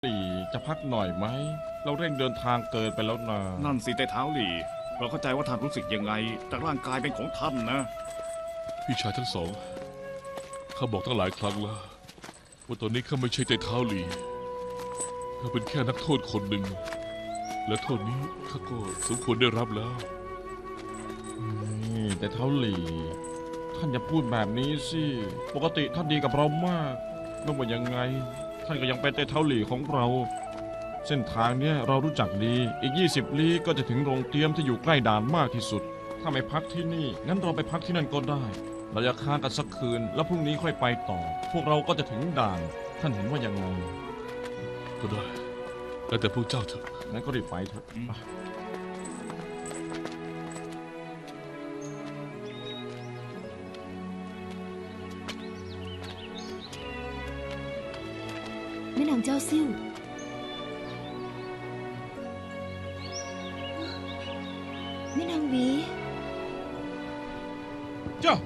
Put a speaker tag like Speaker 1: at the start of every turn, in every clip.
Speaker 1: หลี่จะพักหน่อยไหมเราเร่งเดินทางเกินไปแล้วนะ
Speaker 2: นั่นสิแต่เท้าหลี่เราเข้าใจว่าท่านรู้สึกยังไงแต่ร่างกายเป็นของท่านนะ
Speaker 3: พี่ชายทั้งสองข้าบอกตั้งหลายครั้งแล้วว่าตอนนี้ข้าไม่ใช่ใจเท้าหลีข้าเป็นแค่นักโทษคนหนึ่งและโทษนี้ข้าก็สมควรได้รับแล้ว
Speaker 1: นี่แต่เท้าหลี่ท่านอย่าพูดแบบนี้สิปกติท่านดีกับเรามากไม่ว่ายังไงท่านก็ยังเป็นแต่เท้าหลี่ของเรา เส้นทางเนี้ยเรารู้จักดีอีก20 ลี้ก็จะถึงโรงเตรียมที่อยู่ใกล้ด่านมากที่สุดถ้าไม่พักที่นี่งั้นเราไปพักที่นั่นก็ได้เราจะค้างกันสักคืนแล้วพรุ่งนี้ค่อยไปต่อ พวกเราก็จะถึงด่านท่านเห็นว่ายังไง
Speaker 3: ก็ได้แล้วแต่พวกเจ้าเถอะ
Speaker 1: งั้นก็รีบไปเถอะไป
Speaker 4: แม่นางเจ้าซิ่วแม่นางหวี
Speaker 1: เจ้า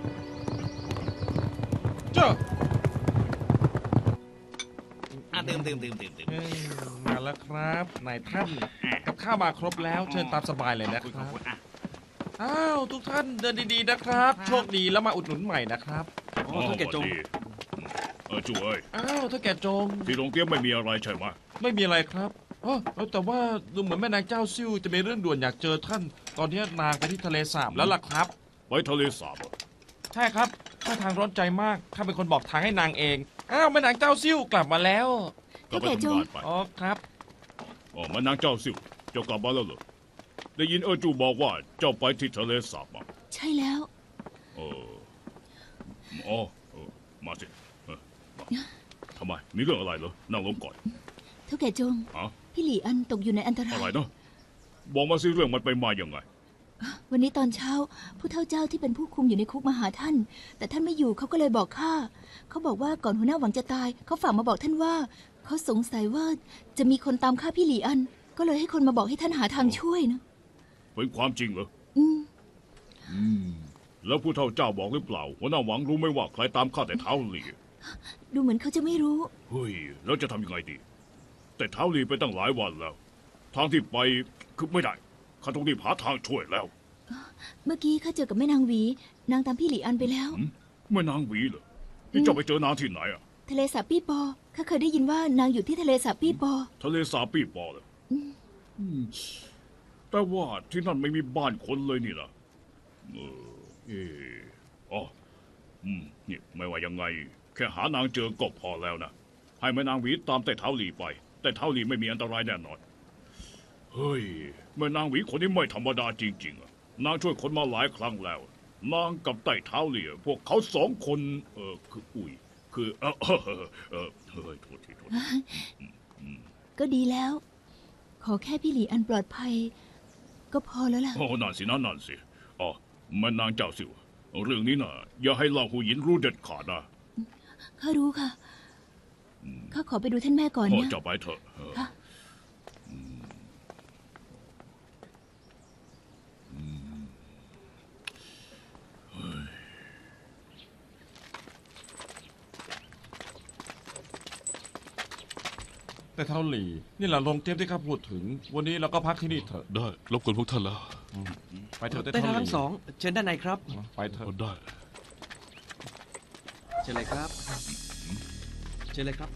Speaker 5: ดื่ม
Speaker 1: มาแล้วครับนายท่านกับข้าวมาครบแล้วเชิญตามสบายเลยนะค
Speaker 2: ข
Speaker 1: รั
Speaker 2: อบบ คุณอ่ะ
Speaker 1: อ้าวทุกท่านเดินดีๆนะครับ โชคดีแล้วมาอุดหนุนใหม่นะครับ
Speaker 2: โอ้ท่านแกจงจูเอ้ย
Speaker 1: อ้าวถ้าแกจง
Speaker 2: ที่โรงเตรียมไม่มีอะไรใช่ไหม
Speaker 1: ไม่มีอะไรครับแต่ว่าดูเหมือนแม่นางเจ้าซิ่วจะมีเรื่องด่วนอยากเจอท่าน ตอนนี้นางไปที่ทะเลสาบแล้วล่ะครับ
Speaker 2: ไปทะเลสาบ
Speaker 1: ใช่ครับท่าทางร้อนใจมากข้าเป็นคนบอกทางให้นางเองอ้าวแม่นางเจ้าซิ่วกลับมาแล้ว
Speaker 2: ก็ไปทำงานไป
Speaker 1: อ๋อครับ
Speaker 2: อ๋อมานางเจ้าซิ่วเจ้ากลับมาแล้วเหรอได้ยินจูบอกว่าเจ้าไปที่ทะเลสาบมา
Speaker 4: ใช่แล้ว
Speaker 2: เอออ๋อมาสิมาทำไมมีเรื่องอะไรเหรอนั่งลงก่อน
Speaker 4: เท่าแก่จง
Speaker 2: ฮะ
Speaker 4: พี่หลี่อันตกอยู่ในอันตรา
Speaker 2: อะไร
Speaker 4: ย
Speaker 2: นะบอกมาสิเรื่องมันไปมาอย่างไง
Speaker 4: วันนี้ตอนเช้าผู้เฒ่าเจ้าที่เป็นผู้คุมอยู่ในคุกมาหาท่าน แต่ท่านไม่อยู่เขาก็เลยบอกข้าเขาบอกว่าก่อนหัวหน้าหวังจะตายเขาฝากมาบอกท่านว่าเขาสงสัยว่าจะมีคนตามฆ่าพี่หลี่อัน ก็เลยให้คนมาบอกให้ท่านหาทางช่วยนะ
Speaker 2: เป็นความจริงเหรอ
Speaker 4: อืม
Speaker 2: แล้วผู้เฒ่าเจ้าบอกหรือเปล่าหัวหน้าหวังรู้ไหมว่าใครตามข้าแต่เท้าหลี
Speaker 4: ดูเหมือนเขาจะไม่รู้
Speaker 2: เฮ้ยแล้วจะทำยังไงดี แต่เท้าหลีไปตั้งหลายวันแล้ว ทางที่ไปคือไม่ได้ข้าต้องรีบหาทางช่วยแล้ว
Speaker 4: เมื่อกี้ข้าเจอกับแม่นางหวีนางตามพี่หลี่อันไปแล้ว
Speaker 2: แม่นางหวีเหรอนี่เจ้าไปเจอนางที่ไหนอะ
Speaker 4: ทะเลสาบปี้ปอข้าเคยได้ยินว่านางอยู่ที่ทะเลสาบปี้ปอ
Speaker 2: ทะเลสาบปี้ปอเลยแต่ว่าที่นั่นไม่มีบ้านคนเลยนี่นะอ๋อนี่ไม่ว่ายังไง แค่หานางเจอก็พอแล้วนะให้แม่นางหวีตามแต่เท้าหลีไป แต่เท้าหลีไม่มีอันตรายแน่นอนเฮ้ยแม่นางหวีคนนี้ไม่ธรรมดาจริงๆอะนางช่วยคนมาหลายครั้งแล้วนางกับไต่เท้าหลีพวกเขาสองคนคืออุ้ยคือเฮ้ยโทษที
Speaker 4: ก็ดีแล้ว ขอแค่พี่หลี่อันปลอดภัย ก็พอแล้วล่ะ
Speaker 2: โอ้นั่นสิอ๋อแม่นางเจ้าสิวเรื่องนี้นะอย่าให้เล่าหูหยินรู้เด็ดขาดนะ
Speaker 4: ข้ารู้ค่ะ ข้าขอไปดูท่านแม่ก่อน
Speaker 2: พ่อ
Speaker 4: นะ
Speaker 2: จะไปเถอะ
Speaker 4: ค่ะ
Speaker 1: แต่เท่าหลี่นี่แหละโรงเตรียมที่ข้าพูดถึง วันนี้เราก็พักที่นี่เถอะ
Speaker 3: ได้รบกวนพวกท่านแล้ว
Speaker 1: ไปเถอะแต่
Speaker 5: ได้
Speaker 1: เท่าห
Speaker 5: ทั้
Speaker 1: ลี่
Speaker 5: งสองเชิญด้านในครับ
Speaker 1: ไปเถอะ
Speaker 3: ก็ได้
Speaker 5: เชิญเลยครับเชิญเลยครับ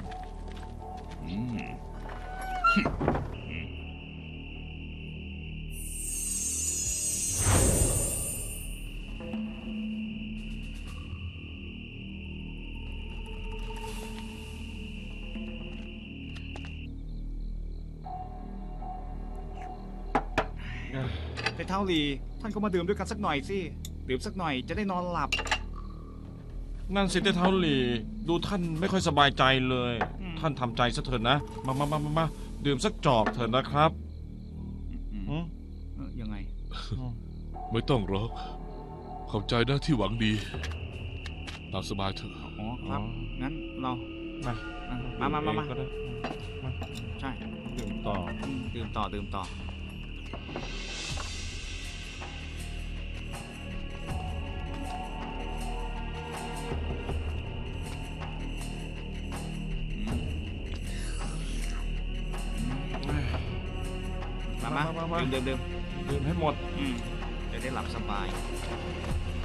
Speaker 2: แต่เท้าหลีท่านก็มาดื่มด้วยกันสักหน่อยสิดื่มสักหน่อยจะได้นอนหลับ
Speaker 1: นั่นสิแต่เท่าหลี่ดูท่านไม่ค่อยสบายใจเลย ท่านทำใจซะเถอะนะมาดื่มสักจอกเถอะนะครับอืม
Speaker 2: ยังไง
Speaker 3: ไม่ต้องหรอกขอบใจนะที่หวังดี ตามสบายเถอะ
Speaker 2: อ๋อครับ งั้นเรา
Speaker 1: มาก็ได้มา
Speaker 2: ใช่
Speaker 1: ดื่มต่อ
Speaker 2: ดื่มต่อ
Speaker 5: มา
Speaker 1: มา
Speaker 5: ดื่ม
Speaker 1: ดื่มให้หมด
Speaker 5: จะได้หลับสบาย